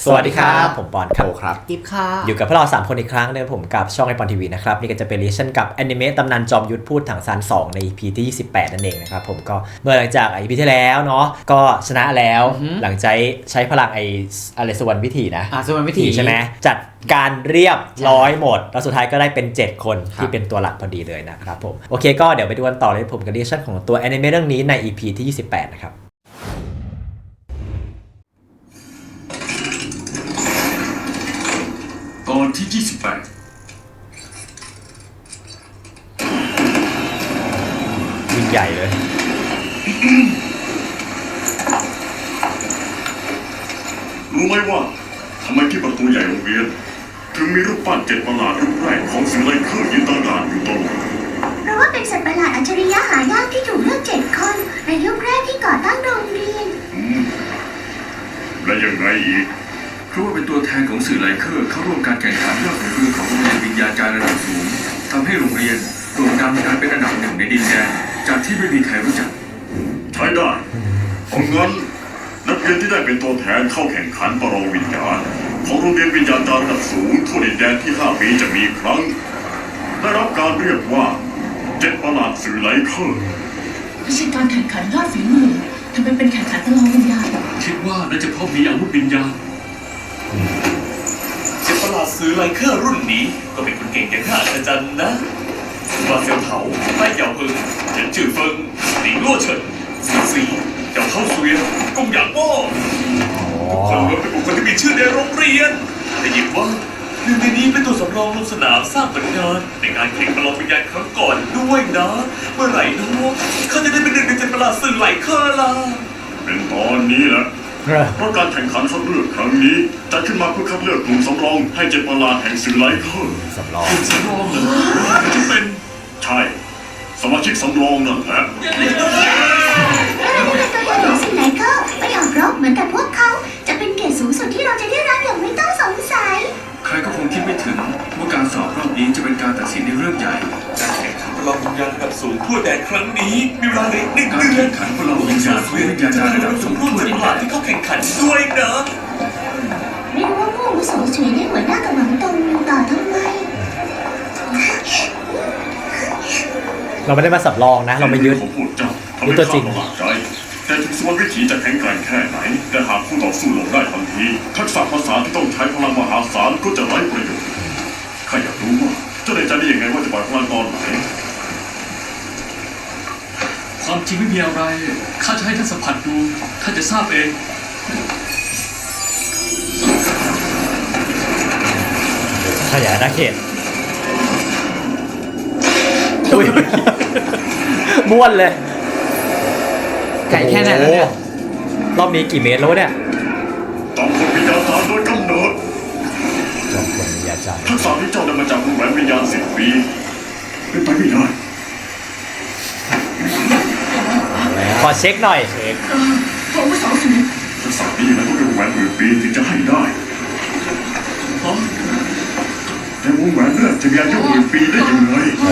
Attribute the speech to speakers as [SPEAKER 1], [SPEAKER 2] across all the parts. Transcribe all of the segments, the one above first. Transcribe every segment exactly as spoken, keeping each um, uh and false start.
[SPEAKER 1] สวัสดีครับผมปอนครับ
[SPEAKER 2] ครับ
[SPEAKER 3] กิฟค่ะ
[SPEAKER 1] อยู่กับพวกเราสามคนอีกครั้งนึงผมกับช่องไอปอนทีวีนะครับนี่ก็จะเป็นรีแอคชั่นกับแอนิเมะตำนานจอมยุทธพูดถังซานสองใน อี พี ที่ยี่สิบแปดนั่นเองนะครับผมก็เมื่อหลังจาก อี พี ที่แล้วเนาะก็ชนะแล้วหลังจากใช้พลังไออะไรสวรรค์วิถีนะ
[SPEAKER 3] อ่าสวรรค์วิถี
[SPEAKER 1] ใช่ไหมจัดการเรียบร้อยหมดแล้วสุดท้ายก็ได้เป็นเจ็ดคนที่เป็นตัวหลักพอดีเลยนะครับผมโอเคก็เดี๋ยวไปดูกันต่อเลยผมกับรีแอคชั่นของตัวแอนิเมะเรื่องนี้ใน อี พี ที่ยี่สิบแปดนะครับ
[SPEAKER 4] ตอนที่ยี่สิบแปด
[SPEAKER 1] ยิ่งใหญ่เลย
[SPEAKER 4] รู้ไหมว่าทำไมที่ประตูใหญ่โรงเรียนถึงมีรูปปั้นเจ็ดประหลาดรูปแรกของสิ่งไร้ค่ายืนตั้งด่านอยู่ตลอด
[SPEAKER 5] เพราะว่าเป็นสัตว์ประหลาดอัจฉริยะหายากที่ถูกเลือกเจ็ดคนในยุคแรกที่ก่อตั้งโรงเรียน
[SPEAKER 4] อืมและยังไงอีก
[SPEAKER 6] เพราะว่าเป็นตัวแทนของสื่อไลเคอร์เข้าร่วมการแข่งขันยอดฝีมือของโรงเรียนวิญญาจารย์ระดับสูงทำให้โรงเรียนโด่งดังกลายเป็นอันดับหนึ่งในดินแดนจากที่ไม่มีใครรู้จัก
[SPEAKER 4] ใช้ได้เพราะงั้นนักเรียนที่ได้เป็นตัวแทนเข้าแข่งขันประลองวิญญาณของโรงเรียนวิญญาจารย์ระดับสูงทั่วดินแดนที่ห้าปีจะมีครั้งได้รับการเรียกว่าเจ็ดประหลาดสื่อไลเคอร์
[SPEAKER 7] ไม่ใช่การแข่งขันยอดฝีมือทำไมเป็นแข่งขันประลองวิญญาณ
[SPEAKER 6] คิดว่าน่าจะเพราะมีอาวุธวิญญาณ
[SPEAKER 8] เจ็ดประหลาดซื้อไลเคอร์รุ่นนี้ก็เป็นคนเก่งอย่างน่าอัศจรรย์นะว่าเซียวเถาไต้เหยาเพิงเฉินจื่อเฟิงหลิงลั่วเฉินซีซีเจ้าเข้าเสวียนกงหยางโม่ทุกคนล้วนเป็นบุคคลที่มีชื่อในโรงเรียนแต่ยินว่าหนึ่งในนี้เป็นตัวสำรองลงสนามสร้างผลงานในการแข่งประลองวิญญาณครั้งก่อนด้วยนะเมื่อไหร่นะเขาจะได้เป็นหนึ่งในเจ็ดประหลาดซื้อไลเคอร์ล่ะ
[SPEAKER 4] เป็นตอนนี้แหละเพราะการแข่งขันคัดเลือกครั้งนี้จัดขึ้นมาเพื่อคัดเลือกกลุ่มสำรองให้เจ็ดประหลาดแห่งสื่อไลเคอร์
[SPEAKER 1] สำรอง
[SPEAKER 4] กลุ่มสำรองเหรอจะเป็นใช่สมาชิกสำรองนั่นแหละ
[SPEAKER 5] เราเป็นตัวแทนของสื่อไลเคอร์ไปออกรบเหมือนกับพวกเขาจะเป็นเกียรติสูงสุดที่เราจะได้รับอย่างไม่ต้องสงสัย
[SPEAKER 6] ใครก็คงคิดไม่ถึงว่าการสอบรอบนี้จะเป็นการตัดสินในเรื่องใหญ่
[SPEAKER 8] การแข่งขันประลองวิญญาณระดับสูงทั่วแดนครั้งนี้มีเวลาเหลือหนึ่ง
[SPEAKER 6] การ
[SPEAKER 8] เดือน
[SPEAKER 6] แข่งขันประลองวิญญาณเพื่อวิญญาจารย์ระดับสูงทั่วดินแดน
[SPEAKER 8] ที่เข้าแข่งขันด้วยนะ
[SPEAKER 5] ไม่รู้ว่าพวกมุสลิมได้หัวหน้ากับหวังตรงต่อทำไม
[SPEAKER 1] เราไม่ได้มาสับรองนะเราไม่ยึด
[SPEAKER 4] ยึดตัวจริงแต่ถึงสวรรค์วิถีจะแข็งแกร่งแค่ไหนแต่หากผู้ต่อสู้ลงได้ทันทีทักษะภาษาที่ต้องใช้พลังมหาศาลก็จะไร้ประโยชน์ข้าอยากรู้ว่าเจ้าได้ใจได้ยังไงว่าจะปล่อยพลังตอนไหน
[SPEAKER 6] ความจริงไม่มีอะไรข้าจะให้ท่านสัมผัสดูท่านจะทราบเอง
[SPEAKER 1] ขยายอาณาเขตม้วนเลย
[SPEAKER 3] ไก่แค่ไหนแล้วเนี่ย
[SPEAKER 1] รอบนี้กี่เมตรแล้วเนี่ย
[SPEAKER 4] ต้องคนวิญญาณโดยกำเนิด
[SPEAKER 1] จอมคนวิญญาจารย์
[SPEAKER 4] ทักษะที่เจ้าได้มาจากวงแหวนวิญญาณสิบปีเป็นไปไม่ได้
[SPEAKER 1] ขอเช็คหน่อยเช็ค
[SPEAKER 7] ผมไม่สองสิ
[SPEAKER 4] ทักษะนี้มันต้องเป็นวงแหวนหมื่นปีถึงจะให้ได้แต่วงแหวนเลือดจะมีอายุหมื่นปีได้ยังไง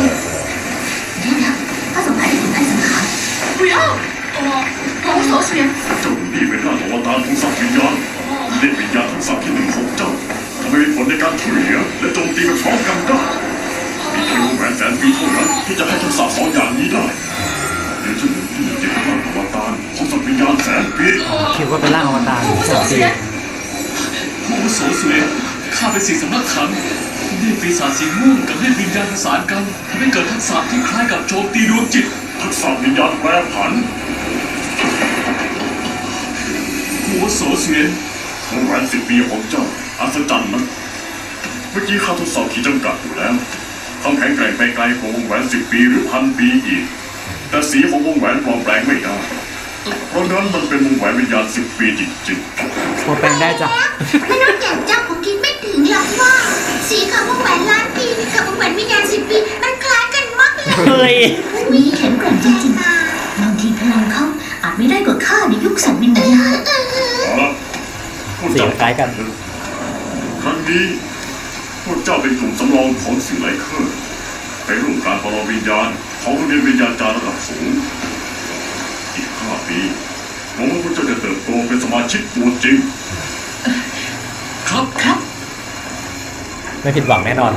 [SPEAKER 5] ถ้าสงสัยถึงการสังหาร
[SPEAKER 7] 不要ผมสองสิ
[SPEAKER 4] เจ้านี่เป็นร่างอวตารของสัตว์วิญญาณเล่นวิญญาณทั้งสัตว์ที่หนึ่งของเจ้าทำให้มีผลในการช่วยเหลือและโจมตีมันพร้อมกันได้มีแค่วงแหวนแสนปีเท่านั้นที่จะให้ทักษะสองอย่างนี้ได้เดี๋ยวเจ้าหนึ่งที่จะเป็นร่างอวตารของสัตว์วิญญาณแสนปี
[SPEAKER 3] คิดว่าเป็นร่างอวตารแสนปี
[SPEAKER 6] ผู้โสเสวยข้าเป็นสิ่งสำนักขังนี่ปีศาจสีม่วงกับเล่นวิญญาณประสานกันทำให้เกิดทักษะที่คล้ายกับโจมตีดวงจิต
[SPEAKER 4] ทักษะวิญญาณแปรผัน
[SPEAKER 6] หัวโสเสวย
[SPEAKER 4] วงแหวนสิบปีของเจ้าอัศจรรย์นะเมื่อกี้ข้าทดสอบขีดจำกัดอยู่แล้วต้องแข็งแกร่งไปไกลกว่าวงแหวนสิบปีหรือพันปีอีกแต่สีของวงแหวนปลอมแปลงไม่ได้เพราะงั้นมันเป็นวงแหวนวิญญาณสิบปีจริง
[SPEAKER 3] ๆพอเป็นได้จ้ะ
[SPEAKER 5] ไม่ต้องอย่างเจ้าผมคิดไม่ถึงหรอกว่าสีของวงแหวนล้านปีกับวงแหวนวิญญาณสิบปีมันคล้ายกันมากเลยมีแข็งแกร่งจริงๆบางทีพลังเขาอาจไม่ได้กว่าข้าในยุคสัตว์วิญญาณ
[SPEAKER 4] เสียง
[SPEAKER 1] คล้ายกัน
[SPEAKER 4] ครั้งนี้พวกเจ้าเป็นกลุ่มสำรองของสื่อไลเคอร์ไปร่วมการประลองวิญญาณของโรงเรียนวิญญาจารย์ระดับสูงอีกห้าปีหวังว่าพวกเจ้าจะเติบโตเป็นสมาชิกตัวจริง
[SPEAKER 6] ครับ
[SPEAKER 7] ครับ
[SPEAKER 1] ไม่ผิดหวังแน่นอน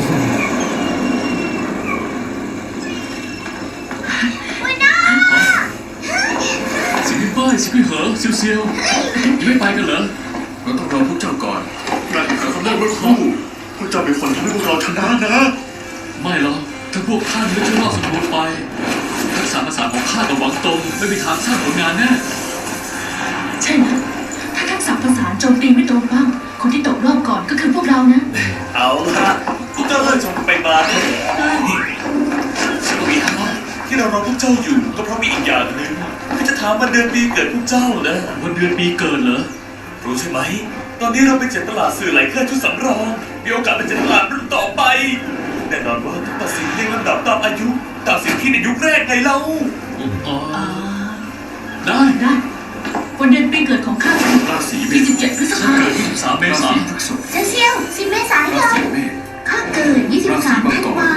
[SPEAKER 6] สิพี่ป้ายสิพี่เหอเซียวเซียวยังไม่ไปกันเหรอเราต้องรอพวกเจ้าก่อน
[SPEAKER 4] การแข่งขันครั้งแรกเมื่อครู่พวกเจ้าเป็นคนทำให้พวกเราชนะนะ
[SPEAKER 6] ไม่หรอกถ้าพวกท่านไม่ช่วยรอดสมบูรณ์ไปทักษะภาษาของข้ากับหวังตรงไม่มีทางสร้างผลงานแน่
[SPEAKER 7] ใช่นะถ้าทักษะภาษานโจมตีไม่ตรงบ้างคนที่ตกรอบก่อนก็คือพวกเรานะ
[SPEAKER 8] เอาละพวกเจ้าเลิกชมไปมาเถอะสิบปีทั้งนั้นที่เรารอพวกเจ้าอยู่ก็เพราะมีอีกอย่างหนึ่งที่จะถามวันเดือนปีเกิดพวกเจ้านะ
[SPEAKER 6] วันเดือนปีเกิดเหรอ
[SPEAKER 8] รู้ใช่ไหม ตอนนี้เราไปเจ็ดตลาดสื่อไหลเครื่องชุดสำรอง มีโอกาสไปเจ็ดตลาดรุ่นต่อไป แน่นอนว่าต้องตัดสินเรียงลำดับตามอายุตัดสินที่ในยุคแรกไงเล่า
[SPEAKER 6] อ๋อ
[SPEAKER 7] อ่า
[SPEAKER 6] ได้
[SPEAKER 7] ได้วันเดือนปีเกิดของข้าคือ
[SPEAKER 6] ราศีเม
[SPEAKER 7] ยี่
[SPEAKER 6] ษ
[SPEAKER 7] สิบเจ็ดพฤษ
[SPEAKER 6] ฉัน
[SPEAKER 7] ภา
[SPEAKER 6] เกิดยี่สิบสามเมษายน
[SPEAKER 5] เซเซียวสิบเมษาย
[SPEAKER 6] ราน ศีเมษ
[SPEAKER 5] ข้าเกิดยี่สิบสามธันวา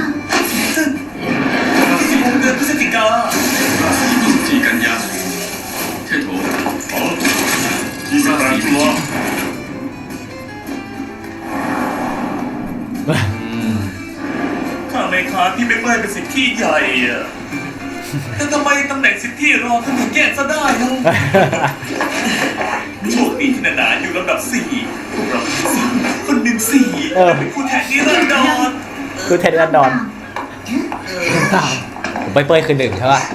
[SPEAKER 8] สิบหกเดือนพฤศจิกา
[SPEAKER 6] ราศียี่สิบสี่กันยาเทโถ
[SPEAKER 4] อ๋อยี่สิบแปดตุลา
[SPEAKER 8] ข้าไม่ค้านที่ไม่เป้ยเป็นสิทธิพี่ใหญ่อะแต่ทำไมตำแหน่งสิทธิพี่รองท่านถึงแย่งซะได้เล่าโชคดีที่นานาอยู่ลำดับสี่พวกเราเป็นสี่คนหนึ่งสี่
[SPEAKER 1] เออ
[SPEAKER 8] เป็นคู่แข่งนิรันดร
[SPEAKER 1] คือเทนนิสดอนผมไปเป้ยคือหนึ่งใช่ป่ะ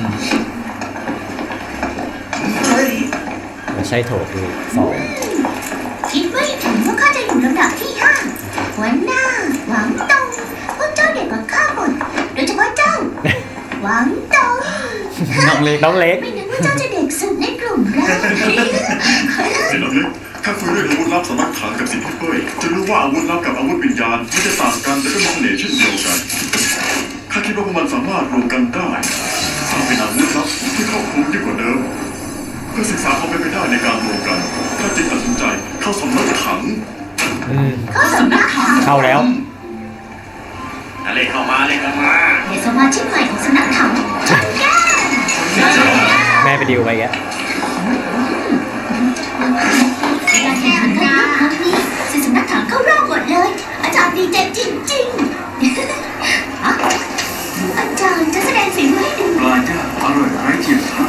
[SPEAKER 8] เฮ้ย
[SPEAKER 1] ไม่ใช่โถคือสอง
[SPEAKER 5] คิดไม่ถึงว่าข้าจะอยู่ลำดับที่ห้าหัวหน้าหวังตงพวกเจ้าเด็กกว่าข้าหมดโดยเฉพาะเจ้า หวังตง
[SPEAKER 3] น้องเล็ก
[SPEAKER 1] น้องเล็ก
[SPEAKER 5] ไม่นึกว่าเจ้าจะเด็กสุดในกลุ่มเรา
[SPEAKER 4] เห็นแล้วเนี่ยข้าคุยเรื่องอาวุธลับสำนักถังกับสิทธิพี่เป้ยจะรู้ว่าอาวุธลับกับอาวุธวิญญาณไม่จะต่างกันแต่ก็มีเสน่ห์เช่นเดียวกันข้าคิดว่าพวกมันสามารถรวมกันได้สร้างเป็นอาวุธลับที่ครอบคลุมยิ่งกว่าเดิมเพื่อศึกษาความเป็นไปได้ในการรวมกันข้าจึงตัดสินใจเข้าสำนักถัง
[SPEAKER 1] อืม
[SPEAKER 5] เขาสำนักข่าว
[SPEAKER 1] เข้าแล้ว
[SPEAKER 8] อะไรเข้ามาเลยเข้ามา
[SPEAKER 5] เดี๋ยวสมาชิกใหม่ของสำนักข่าวชันแก้ว
[SPEAKER 1] แม่ไปดิวไปแก
[SPEAKER 5] การแข่งขันครั้งนี้สิสำนักข่าวเข้ารอบหมดเลย อาจารย์ดีใจจริงๆอ่ะอาจารย์จะแสดงฝีมือให้ดู
[SPEAKER 6] ปลาย่างอร่อยไร้เทียมทาน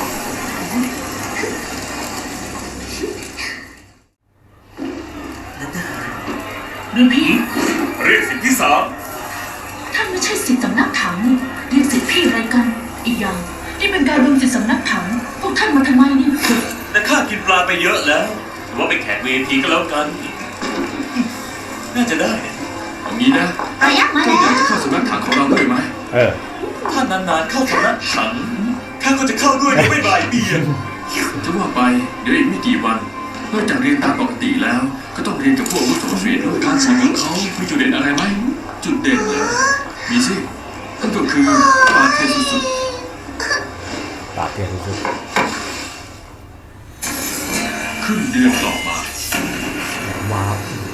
[SPEAKER 7] รุ่นพี่
[SPEAKER 8] เรียกสิทธิสาม
[SPEAKER 7] ท่านไม่ใช่สิทธิสำนักถังนี่เรียกสิทธิพี่อะไรกัน อีกอย่างนี่เป็นการรวมสิทธิสำนักถังพวกท่านมาทำไมนี่
[SPEAKER 8] แต่ข้ากินปลาไปเยอะแล้วถือว่าเป็นแขกเวทีก็แล้วกัน น่าจะได้นะ
[SPEAKER 6] เอางี้นะ
[SPEAKER 5] เอายักษ์มา
[SPEAKER 6] เจ้า
[SPEAKER 5] แล้
[SPEAKER 6] อยากจะ
[SPEAKER 5] ว
[SPEAKER 6] เข้าสำนักถังของเราด้วยไหม
[SPEAKER 1] เออ
[SPEAKER 8] ถ้านานๆเข้าสำนักถังข้าก็จะเข้าด้วยโดยไม่บ่ายเบี่ยง
[SPEAKER 6] จะว่าไปเดี๋ยวอีกไม่กี่วันนอกจากเรียนตามปกติแล้ว ก็ต้องเรียนกับพวกอาวุโสเรียนด้วยการสอนของเขามีจุดเด่นอะไรไหมจุดเด่นเหรอมีสินั่นก็คือปาเทสุด
[SPEAKER 1] ปราบเทียนสุด
[SPEAKER 6] ๆครึ่งเดือนต่อมา
[SPEAKER 1] ๆว้าว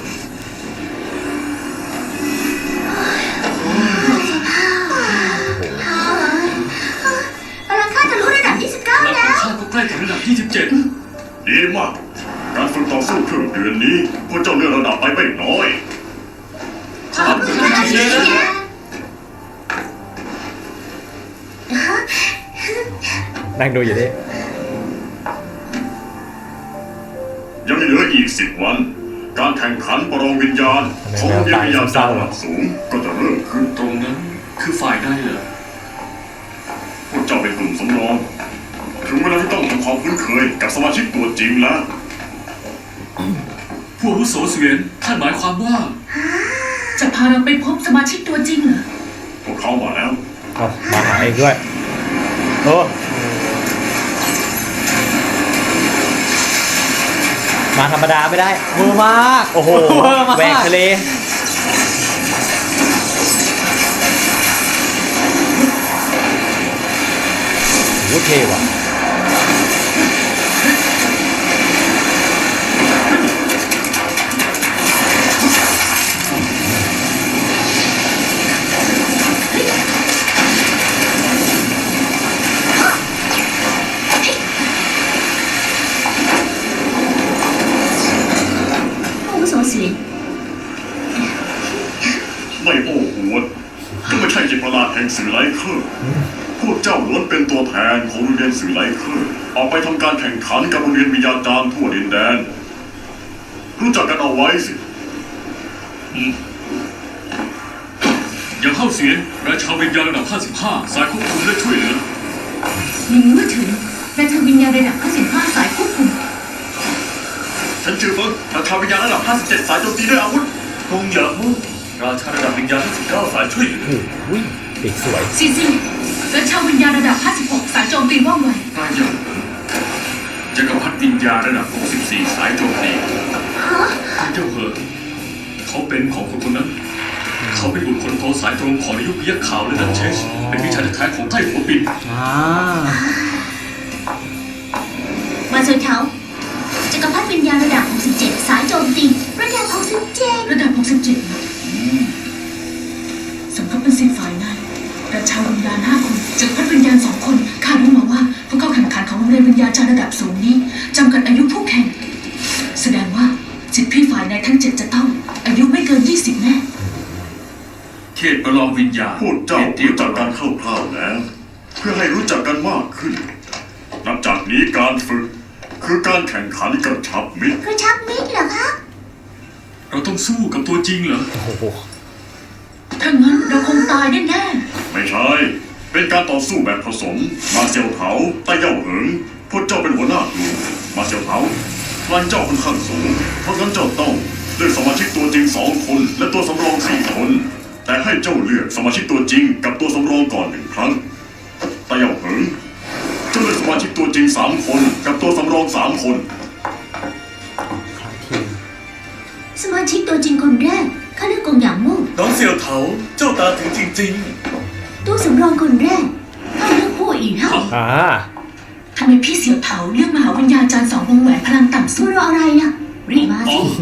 [SPEAKER 5] พลังข้าจะรู้ระดับยี่สิบเก้า
[SPEAKER 6] และข
[SPEAKER 5] แล้
[SPEAKER 6] อง
[SPEAKER 5] ว
[SPEAKER 6] ข้าก็ใกล้ถึงระดับยี่สิบเจ็ด
[SPEAKER 4] ดีมาก การฝึกต่อสู้ครึ่งเดือนนี้พวกเจ้าเลื่อนระดับไปไม่น้อย
[SPEAKER 8] ขอบคุณมากเลยนะ
[SPEAKER 1] นั่งดูอยู่ดิ
[SPEAKER 4] ยังเหลืออีกสิบวัน การแข่งขันประลองวิญญาณของโรงเรียนวิญญาณจารย์ระดับสูงก็จะเริ่มขึ้น
[SPEAKER 6] ตรงนั้นคือฝ่ายได้เหรอ
[SPEAKER 4] พวกเจ้าเป็นกลุ่มสำรอง ถึงเวลาที่ต้องทำความคุ้นเคยกับสมาชิกตัวจริงแล้ว
[SPEAKER 6] ผู้อาวุโสเสวียนท่านหมายความว่า
[SPEAKER 7] จะพาเราไปพบสมาชิกตัวจริงเหรอ
[SPEAKER 4] พวกเขามาแล้ว
[SPEAKER 1] เอามาหาเองด้วย โอ้มาธรรมดาไม่ได้เวอร์มาก โอ้โห
[SPEAKER 3] เวอร์มาก
[SPEAKER 1] แหวกทะเลโหเท่ว่ะ
[SPEAKER 4] พวกเจ้าล้วนเป็นตัวแทนของโรงเรียนสื่อไลเคอร์ออกไปทำการแข่งขันกับโรงเรียนวิญญาจารย์ทั่วดินแดน รู้จักกันเอาไว้สิ
[SPEAKER 6] อย่างเข้าเสียงราชาวิญญาณระดับห้าสิบห้าสายควบคุมและช่วยเหลือ
[SPEAKER 7] ลิงมือถือราชาวิญญาณระดับห้าสิบห้าสายควบคุม
[SPEAKER 4] ฉันชื่อเฟิงราชาวิญญาณระดับห้าสิบเจ็ดสายโจมตีด้วยอาวุธ
[SPEAKER 8] กงหยางมู่ราชาระดับวิญญาณห้าสิบเก้าสายช่วยเหลือ
[SPEAKER 1] อุ้ยปีกสวย
[SPEAKER 7] ซีซีราชาวิญญาณระดับห้าสิบหกสายโจมตีว่องไว
[SPEAKER 6] ใต้ยอดจักรพรรดิวิญญาณระดับหกสิบสี่สายโจมตีเจ้าเหอะเขาเป็นของคนคนนั้น เขาเป็นบุตรคนโตสายตรงของนายยุคพยัคฆ์ขาวและดันเชส เป็นวิชาแท้ของไต้หัวปิน
[SPEAKER 3] อ่า
[SPEAKER 5] มาเซอร์เทาจักรพรรดิวิญญาณระดับหกสิบเจ็ดสายโจมตีระดับหกสิบเจ็ด
[SPEAKER 7] ระดับหกสิบเจ็ดสมกับเป็นสิทธิ์ฝ่ายในราชาวิญญาณห้าคนจักรพรรดิวิญญาณสองคนคาดรู้มาว่าผู้เข้าแข่งขันของโรงเรียนวิญญาจารย์ระดับสูงนี้จำกัดอายุผู้แข่ง แสดงว่าสิทธิพี่ฝ่ายในทั้งเจ็ดจะต้องอายุไม่เกินยี่สิบแน่
[SPEAKER 6] เขตประลองวิญญาณ
[SPEAKER 4] พวกเจ้ารู้จักกันคร่าวๆแล้ว เพื่อให้รู้จักกันมากขึ้น นับจากนี้การฝึก คือการแข่งขันกระชับมิตร
[SPEAKER 5] กระชับมิตรเหรอคะ
[SPEAKER 6] เราต้องสู้กับตัวจริงเหรอ
[SPEAKER 1] โอ้โห
[SPEAKER 7] ถ้างั้นเราคงตายแน่
[SPEAKER 4] ไม่ใช่ เป็นการต่อสู้แบบผสม มาเซียวเถาใต้เย่าเหิงพวกเจ้าเป็นหัวหน้ากลุ่มมาเซียวเถาพลังเจ้าค่อนข้างสูง เพราะงั้นเจ้าต้องเลือกสมาชิกตัวจริงสองคน และตัวสำรองสี่คน แต่ให้เจ้าเลือกสมาชิกตัวจริงกับตัวสำรองก่อนหนึ่งครั้งใต้เย่าเหิงเจ้าเลือกสมาชิกตัวจริงสามคน กับตัวสำรองสามคน
[SPEAKER 5] สมาชิกตัวจริงคนแรกข้าเลือกกงหยางมู่
[SPEAKER 8] น้องเสี่ยวเถาเจ้าตาถึงจริง
[SPEAKER 5] ตัวสำรองคนแรกข้าเลือกผู้อีกเท่า
[SPEAKER 1] อ่า
[SPEAKER 7] ๆทำไมพี่เสี่ยวเถาเลือกมหาวิญญาณจารย์สองวงแหวนพลังต่ำสุ
[SPEAKER 5] สู้
[SPEAKER 7] ด
[SPEAKER 5] รออะไรล่ะรีบมา
[SPEAKER 8] ๆ อ๋
[SPEAKER 5] สิ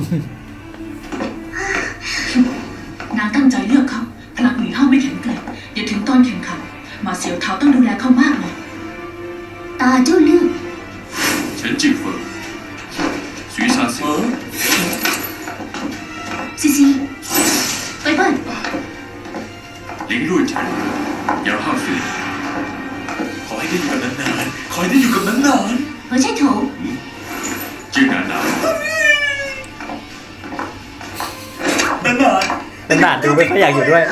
[SPEAKER 8] อ
[SPEAKER 7] นางตั้งใจเลือกเขาพลังหนีห้าไม่แข็งแกร่งเดี๋ยวถึงตอนแข่งขันมาเสี่ยวเถาต้องดูแลเขามากเลย
[SPEAKER 5] ตาเจ้าเลือก
[SPEAKER 6] เฉินจิ๋วเฟิงสุยซาเซี
[SPEAKER 8] เอ
[SPEAKER 6] ยว
[SPEAKER 8] อ
[SPEAKER 5] ซีซีไปเปิ้ล
[SPEAKER 6] ลิงลุ่ยเฉินยาวห้าฝี
[SPEAKER 8] ขอให้ได้อยู่กันนานๆขอให้ได้อยู่กันนาน
[SPEAKER 5] หัวใช่โถ
[SPEAKER 6] จื้อหนาหนา
[SPEAKER 8] ๆนาน
[SPEAKER 1] เป็นหนาดดูไม่ค่อยอยากอยู่ด้วย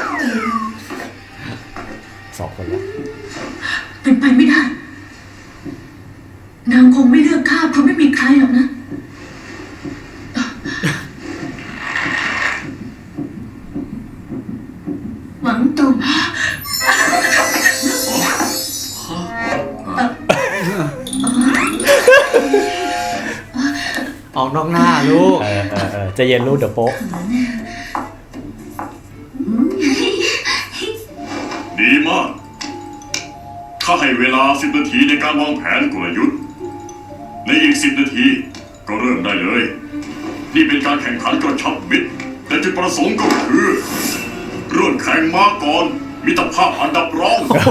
[SPEAKER 1] สองคนแล้ว
[SPEAKER 7] เป็นไปไม่ได้ นางคงไม่เลือกข้าเพราะไม่มีใครหรอกนะ
[SPEAKER 5] หวังตง
[SPEAKER 3] ออกนอกหน้าลูก
[SPEAKER 1] เออเออเออใจะเย็นลูกเดี๋ยวโป๊ะ
[SPEAKER 4] ดีมาก ข้าให้เวลาสิบนาทีในการวางแผนกลยุทธ์ ในอีกสิบนาทีก็เริ่มได้เลย นี่เป็นการแข่งขันกระชับมิตรและจุดประสงค์ก็คือเริ่มแข่งมาก่อนมิตรภาพอันดับรอง
[SPEAKER 1] โอ้โห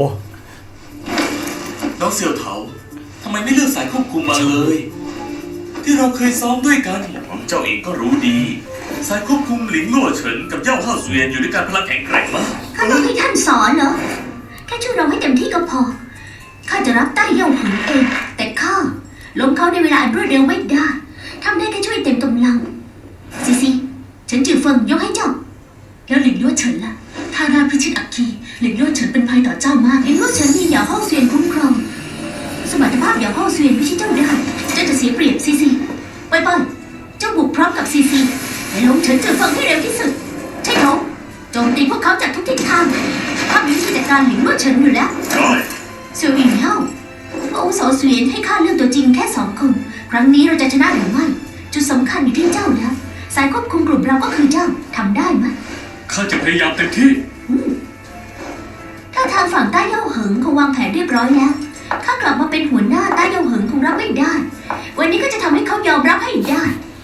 [SPEAKER 8] ๆน้องเสี่ยวเถาทำไมไม่เลือกสายควบคุมมาเลย ที่เราเคยซ้อมด้วยกันเจ้าเองก็รู้ดี สายควบคุมหลินลั่วเฉินกับเย่าห้าเสวียนอยู่ด้วยกันพลังแข็งแกร่งมาก
[SPEAKER 5] ข้าต้องให้ท่านสอนเหรอแค่ช่วยเราให้เต็มที่ก็พอข้าจะรับใต้เย่าหึงเอง แต่ข้าล้มเขาในเวลาอันรวดเร็วไม่ได้ทำได้แค่ช่วยเต็มกำลังซีซีฉันจือเฟิงยกให้เจ้า
[SPEAKER 7] แล้วหลิงลั่วเฉินล่ะ ถ้าราชพิชิตอัคคีหลิงลั่วเฉินเป็นภัยต่อเจ้ามาก
[SPEAKER 5] เห็นว่าฉันมีเหยาห้องเสวียนคุ้มครองสมรรถภาพเหยาห้องเสวียนไม่ใช่เจ้าได้เจ้าจะเสียเปรียบซีซีไปเปิ้ลเจ้าบุกพร้อมกับซีซีและล้มเฉินจือเฟิงให้เร็วที่สุดใช่เขาโจมตีพวกเขาจากทุกทิศทางข้ามีวิธีจัดการหลิงลั่วเฉินอยู่แล้ว
[SPEAKER 4] ได้
[SPEAKER 5] เสี่ยวหญิงเล่าพระอาวุโสเสวียนให้ข้าเลือกตัวจริงแค่สองคน ครั้งนี้เราจะชนะหรือไม่ จุดสำคัญอยู่ที่เจ้าแล้วสายควบคุมกลุ่มเราก็คือเจ้าทำได้ไหม
[SPEAKER 6] ข้าจะพยายามเต็มที่
[SPEAKER 5] ถ้าทางฝั่งใต้เย่าเหิงคงวางแผนเรียบร้อยแล้วข้ากลับมาเป็นหัวหน้าใต้เย่าเหิงคงรับไม่ได้ วันนี้ก็จะทำให้เขายอมรับให้ได้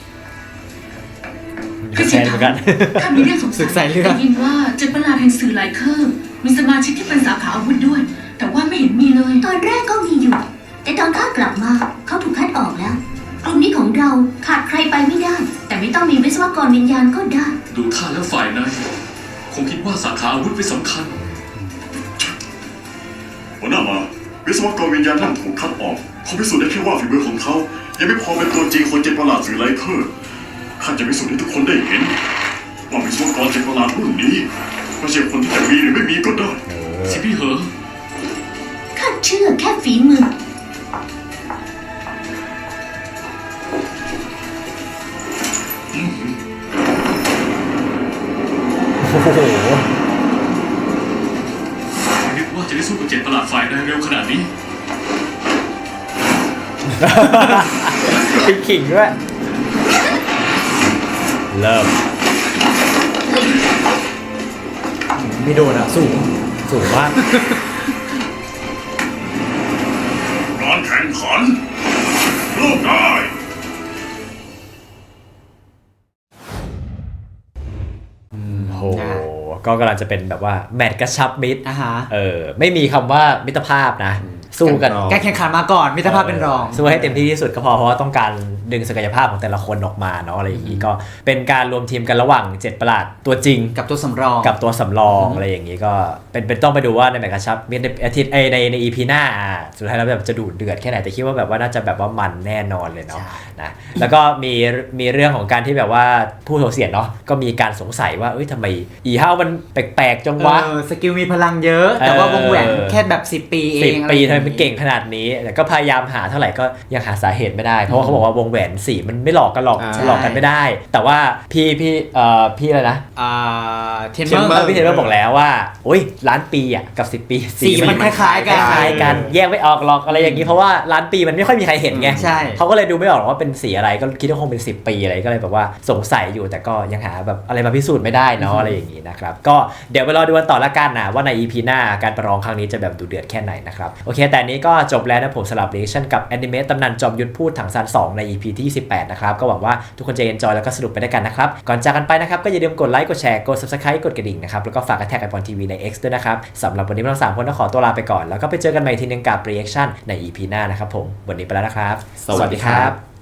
[SPEAKER 1] แซนเหมือนกัน
[SPEAKER 7] ข้ามีเรื่องสงสัย
[SPEAKER 3] ศึกสายเลือด
[SPEAKER 7] ได้ยินว่าเจ็ดประหลาดแห่งสื่อหลายเครื่องมีสมาชิกที่เป็นสาขาอาวุธด้วย แต่ว่าไม่เห็นมีเลย
[SPEAKER 5] ตอนแรกก็มีอยู่ แต่ตอนข้ากลับมาเขาถูกคัดออกแล้ว กลุ่มนี้ของเราขาดใครไปไม่ได้ แต่ไม่ต้องมีวิศวกรวิญญาณก็ได้
[SPEAKER 6] ดูท่าแล้วฝ่ายในคงคิดว่าสาขาอาวุธเป็นสำคัญ
[SPEAKER 4] หัวหน้ามาวิศวกรวิญญาณนั่นถูกคัดออกเขาพิสูจน์ได้แค่ว่าฝีมือของเขายังไม่พอเป็นตัวจริงคนเจ็ดประหลาดสื่อไลเคอร์ข้าจะพิสูจน์ให้ทุกคนได้เห็นว่าวิศวกรเจ็ดประหลาดรุ่นนี้ไม่ใช่คนที่จะมีหรือไม่มีก็ได้
[SPEAKER 6] สิพี่เหอ
[SPEAKER 5] ข้าเชื่อแค่ฝีมือ
[SPEAKER 1] โอ้โห
[SPEAKER 6] ไม่นึกว่าจะได้สู้กับเจ็ดประหลาดฝ่ายได้เร็วขนาดนี้
[SPEAKER 1] เป็นขิงด้วยเริ่มไม่โดนอ่ะสูงสูงมาก
[SPEAKER 4] การแข่งขันเริ่มได้
[SPEAKER 1] โอ้โหก็กำลังจะเป็นแบบว่าแมตช์กระชับมิตร
[SPEAKER 3] อ่าฮะ
[SPEAKER 1] เออไม่มีคำว่ามิตรภาพนะ สู้กัน
[SPEAKER 3] การแข่งขันมาก่อนมิตรภาพเป็นรอง
[SPEAKER 1] สู้ให้เต็มที่ที่สุดก็พอเพราะว่าต้องการดึงศักยภาพของแต่ละคนออกมาเนาะอะไรอย่างนี้ก็เป็นการรวมทีมกันระหว่างเจ็ดประหลาดตัวจริง
[SPEAKER 3] กับตัวสำรอง
[SPEAKER 1] กับตัวสำรองอะไรอย่างนี้ก็เป็นเป็นต้องไปดูว่าในแมตช์กระชับมิตรในอาทิตย์เอยในในอีพีหน้าอ่ะสุดท้ายแล้วแบบจะดูเดือดแค่ไหนแต่คิดว่าแบบว่าน่าจะแบบว่ามันแน่นอนเลยเนาะนะแล้วก็มีมีเรื่องของการที่แบบว่าผู้โถเสียนเนาะก็มีการสงสัยว่าเอ้ยทำไมอีห้าวมันแปลกๆจังวะ
[SPEAKER 3] เออสกิลมีพลังเยอะ แต่ว่าวงแหวนแค่แบบสิบปีเอง
[SPEAKER 1] สิบปีทำไม
[SPEAKER 3] อะร
[SPEAKER 1] มันเก่งขนาดนี้แต่ก็พยายามหาเท่าไหร่ก็ยังหาสาเหตุไม่ได้เพราะว่าเขาบอกว่าวงแหวนสีมันไม่หลอกกันหรอก
[SPEAKER 3] อ่า
[SPEAKER 1] หลอกกันไม่ได้ แต่ว่าพี่พี่เอ่อพี่อะไรนะ
[SPEAKER 3] อ่าเทน
[SPEAKER 1] เท
[SPEAKER 3] เม
[SPEAKER 1] นเม
[SPEAKER 3] อ
[SPEAKER 1] อ
[SPEAKER 3] ร์
[SPEAKER 1] ร์พี่เทนเมอร์บอกแล้วว่าโอ้ยล้านปีอ่ะกับสิบปี
[SPEAKER 3] สีมันคล้ายๆกัน
[SPEAKER 1] คล้ายๆกันแยกไม่ออกหรอกอะไรอย่างนี้เพราะว่าล้านปีมันไม่ค่อยมีใครเห็นไง
[SPEAKER 3] ใช่
[SPEAKER 1] เขาก็เลยดูไม่ออกหรอกว่าเป็นสีอะไรก็คิดว่าคงเป็นสิบปีอะไรก็เลยแบบว่าสงสัยอยู่แต่ก็ยังหาแบบอะไรมาพิสูจน์ไม่ได้เนาะอะไรอย่างนี้นะครับก็เดี๋ยวไปรอดูกันต่อละกันนะว่าใน อี พี หน้าการประลองครั้งนี้จะแบบดูเดือดแค่ไหนนะครับโอเคแต่นี้ก็จบแล้วนะผมสลับเรชั่นกับแอนิเมตตำนานจอมยุทธพูดถังซานสองใน อี พี ที่ยี่สิบแปดนะครับก็หวังว่าทุกคนจะเอนจอยแล้วก็สนุกไปด้วยกันนะครับก่อนจากกันไปนะครับก็อย่าลืมกดไลค์กดแชร์กด ซับสไครบ์ กดกระดิ่งนะครับแล้วก็ฝากแท็กไอปอนทีวีใน X ด้วยนะครับสำหรับวันนี้เราสามคนต้องขอตัวลาไปก่อนแล้วก็ไปเจอกันใหม่ทีนึงกับ reaction ใน อี พี หน้านะครับผมวันนี้ไปแล้วนะครับ
[SPEAKER 3] สวัสดีครับ